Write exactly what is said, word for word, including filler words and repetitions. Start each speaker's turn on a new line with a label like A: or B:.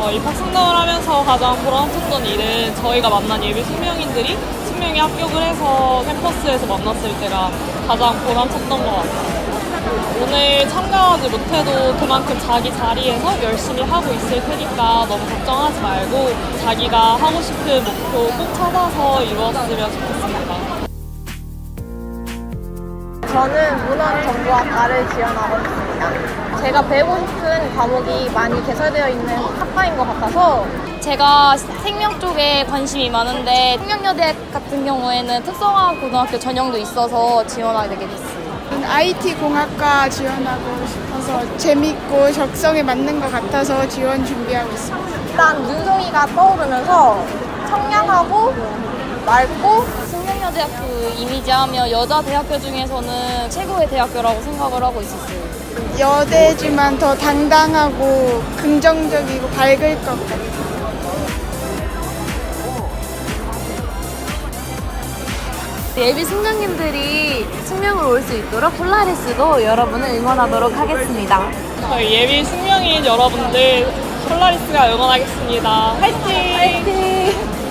A: 어, 입학승강을 하면서 가장 보람찼던 일은 저희가 만난 예비 숙명인들이 숙명에 합격을 해서 캠퍼스에서 만났을 때가 가장 보람찼던 것 같아요. 오늘 참가하지 못해도 그만큼 자기 자리에서 열심히 하고 있을 테니까 너무 걱정하지 말고 자기가 하고 싶은 목표 꼭 찾아서 이루었으면 좋겠습니다.
B: 저는 문헌정보학과를 지원하고 있습니다. 제가 배우고 싶은 과목이 많이 개설되어 있는 학과인 것 같아서
C: 제가 생명 쪽에 관심이 많은데 생명여대 같은 경우에는 특성화 고등학교 전형도 있어서 지원하게 되게 됐어요.
D: 아이티 공학과 지원하고 싶어서 재밌고 적성에 맞는 것 같아서 지원 준비하고 있습니다.
B: 일단 눈송이가 떠오르면서 청량하고 맑고
C: 생명여대학교 이미지하면 여자 대학교 중에서는 최고의 대학교라고 생각을 하고 있었어요.
D: 여대지만 더 당당하고 긍정적이고 밝을 것 같아요.
C: 예비 숙명님들이 숙명을 올 수 있도록 폴라리스도 여러분을 응원하도록 하겠습니다.
A: 저희 예비 숙명인 여러분들 폴라리스가 응원하겠습니다. 화이팅!
C: 화이팅!